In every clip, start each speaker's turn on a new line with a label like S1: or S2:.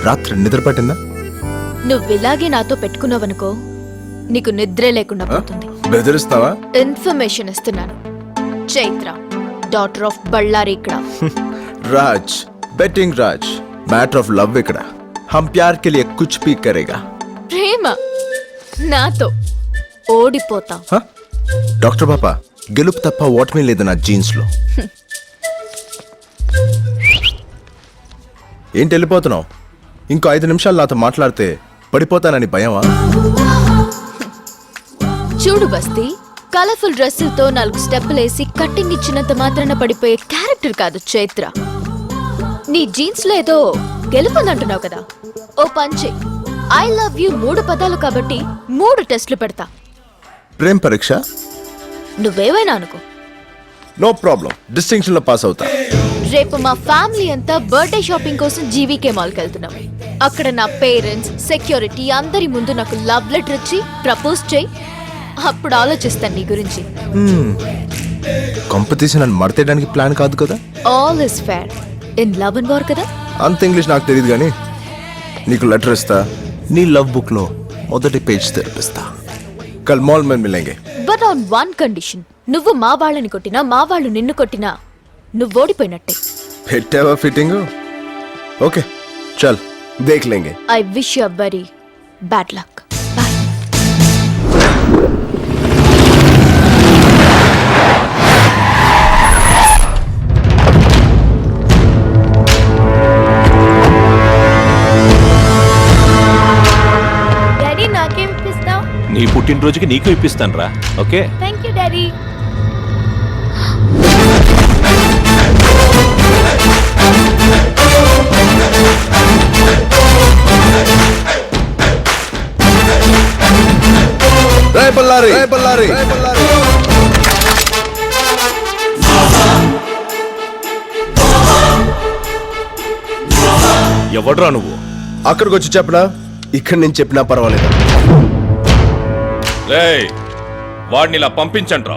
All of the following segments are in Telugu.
S1: రాత్రి నిద్ర పట్టిందా?
S2: నువ్విలాగే నాతో పెట్టుకున్నావనుకో నీకు నిద్రే లేకుండా పోతుంది.
S1: బెదిరిస్తావా?
S2: ఇన్ఫర్మేషన్ ఇస్తున్నాను. చైత్ర డాటర్ ఆఫ్ బళ్ళారి ఇక్కడ.
S1: Raj betting Raj matter of love ఇక్కడ हम प्यार के लिए कुछ भी करेगा.
S2: ప్రేమ నాతో ఓడిపోతా.
S1: డాక్టర్ పాపా గెలుపు తప్ప ఓటమి లేదు నా జీన్స్ లో. ఏంటి వెళ్ళిపోతున్నావు? ఇంకో 5 నిమిషాలు నాతో మాట్లాడితే పడిపోతానని భయమా?
S2: చూడు బస్తీ, కలర్ఫుల్ డ్రెస్సులతో 4 స్టెప్పులేసి కట్టింగ్ ఇచ్చినంత మాత్రాన పడిపోయే క్యారెక్టర్ కాదు చైత్ర. నీ జీన్స్ లో ఏదో గెలుపుందంటున్నావు కదా, ఓ పంచే. ఐ లవ్ యూ 3 పదాలు కాబట్టి 3 టెస్టులు పెడతా.
S1: ప్రేమ పరీక్ష
S2: నువ్వేవైనా అనుకో,
S1: నో ప్రాబ్లం, డిస్టింక్షన్ లో పాస్ అవుతా.
S2: రేపు మా ఫ్యామిలీ అంతా బర్త్డే షాపింగ్ కోసం జీవీకే మాల్కి వెళ్తున్నాం. అక్కడ నా పేరెంట్స్, సెక్యూరిటీ అందరి ముందు నాకు లవ్ లెటర్ ఇచ్చి ప్రపోజ్ చేయి. అప్పుడు ఆలోచిస్తాను నీ గురించి.
S1: కాంపిటీషన్ అని మడతేయడానికి ప్లాన్ కాదు కదా.
S2: All is fair in love and war కదా.
S1: అంత ఇంగ్లీష్ నాకు తెలియదు కానీ నీకు లెటర్ ఇస్తా, నీ లవ్ బుక్ లో మొదటి పేజ్ తెరిపిస్తా. కల్ మాల్ మే మిలేంగే.
S2: బట్ ఆన్ వన్ కండిషన్, నువ్వు మా వాళ్ళని కొట్టినా మా వాళ్ళు నిన్ను కొట్టినా నువ్వు ఓడిపోయినట్టే.
S1: పెట్టావా ఫిట్టింగ్? ఓకే చల్ దేఖ్ లేంగే.
S2: I wish you very bad luck. Bye. Daddy నాకేం ఇప్పిస్తావ్?
S3: నీ పుట్టినరోజుకి నీకు ఇప్పిస్తాను రా. Okay
S2: thank you daddy.
S1: Bellary Bellary
S3: ఎవడ్రా నువ్వు?
S1: అక్కడికి వచ్చి చెప్పడా, ఇక్కడ నుంచి చెప్పినా పర్వాలేదు.
S3: రేయ్ వాడిని ఇలా పంపించండ్రా.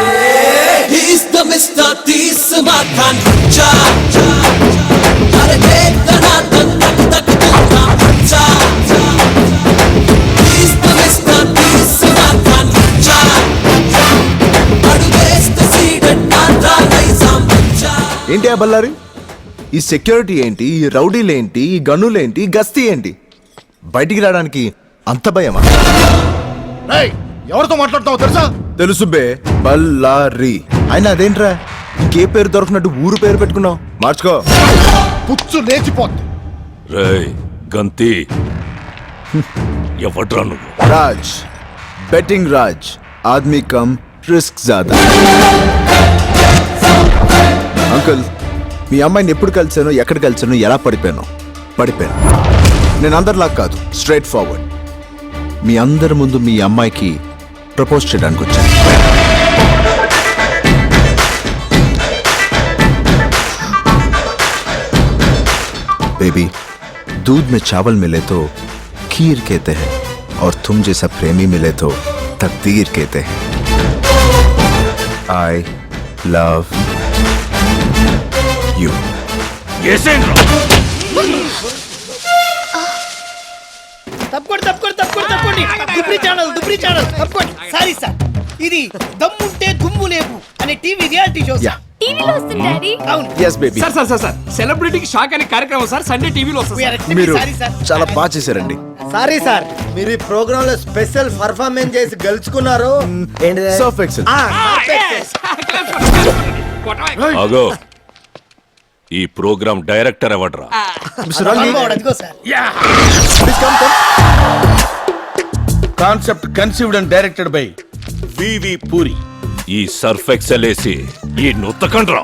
S1: ఏంటి ఆ బళ్ళారి? ఈ సెక్యూరిటీ ఏంటి, ఈ రౌడీలేంటి, ఈ గన్నులేంటి, గస్తీ ఏంటి? బయటికి రావడానికి అంత భయమా?
S4: ఎవరితో మాట్లాడుతావు తెలుసా?
S1: తెలుసు బే, బళ్ళారి. అయినా అదేంట్రా ఇంకే పేరు దొరకనట్టు ఊరు పేరు పెట్టుకున్నావు? మార్చుకో,
S4: పుచ్చు లేచిపోద్ది.
S3: రేయ్ గంతి, ఎవడ్రా నువ్వు?
S1: రాజ్ బెట్టింగ్ రాజ్, ఆద్మీ కమ్ రిస్క్ జాదా. అంకుల్, మీ అమ్మాయిని ఎప్పుడు కలిసాను, ఎక్కడ కలిసాను, ఎలా పడిపోయాను? నేను అందరిలా కాదు, స్ట్రైట్ ఫార్వర్డ్. మీ అందరి ముందు మీ అమ్మాయికి ప్రపోజ్ చేయడానికి వచ్చాను. बेबी, दूध में चावल मिले तो खीर कहते हैं, और तुम जैसा प्रेमी मिले तो तकदीर कहते हैं. I love you.
S5: తప్పకోండి. దుబ్రి ఛానల్ తప్పకోండి. సారీ సార్, ఇది దమ్ముంటే దుమ్ము లేవు అనే టీవీ రియాలిటీ షో.
S1: Yeah.
S2: టీవీలో వస్తుంది డాడీ.
S5: అవును.
S1: Yes, baby.
S6: సార్ సెలబ్రిటీకి షాక్ అనే కార్యక్రమం సార్ సండే టీవీలో వస్తుంది.
S1: మీరు
S5: సారీ సార్.
S1: చాలా బాగా చేశారండి.
S7: సారీ సార్, మీరు ఈ ప్రోగ్రామ్ లో స్పెషల్ పర్ఫార్మెన్స్ చేసి గెలుచుకున్నారు.
S1: Surf excel.
S3: ఆగో, ఈ ప్రోగ్రామ్ డైరెక్టర్ ఎవడ్రా?
S1: Mr. Rangi,
S5: అదిగో sir.
S1: please come.
S4: Concept conceived and directed by V V Puri.
S3: ఈ సర్ఫ్ ఎక్సెల్ వేసి ఈ నొత్తకండ్రా.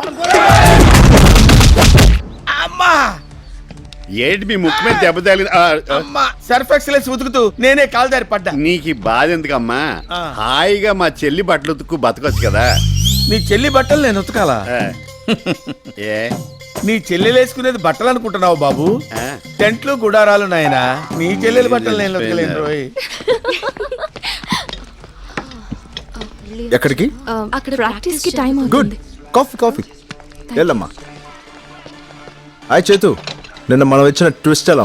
S4: అమ్మా
S8: ఏంటి మీ ముక్కు మీద దెబ్బ తగిలి?
S4: సర్ఫ్ ఎక్సలెన్స్ ఉతుకుతూ నేనే కాల్దారి పడ్డా.
S8: నీకు ఈ బాధ ఎందుకమ్మా? హాయిగా మా చెల్లి బట్టలు ఉతుక్కు బతకొచ్చు కదా.
S4: నీ చెల్లి బట్టలు నేను ఉతకాలా?
S8: ఏ
S4: నీ చెల్లెలు వేసుకునేది బట్టలు అనుకుంటున్నావు బాబు? టెంట్లు గుడారాలు నాయనా. నీ చెల్లెలు బట్టలు నేను ఉతకలేను రోయ్.
S1: ఎక్కడికి?
S2: అక్కడ ప్రాక్టీస్ కి టైం
S1: గుడ్, కాఫీ వెళ్ళమ్మా. హాయ్ చేతు, నిన్న మనం ఇచ్చిన ట్విస్ట్ ఎలా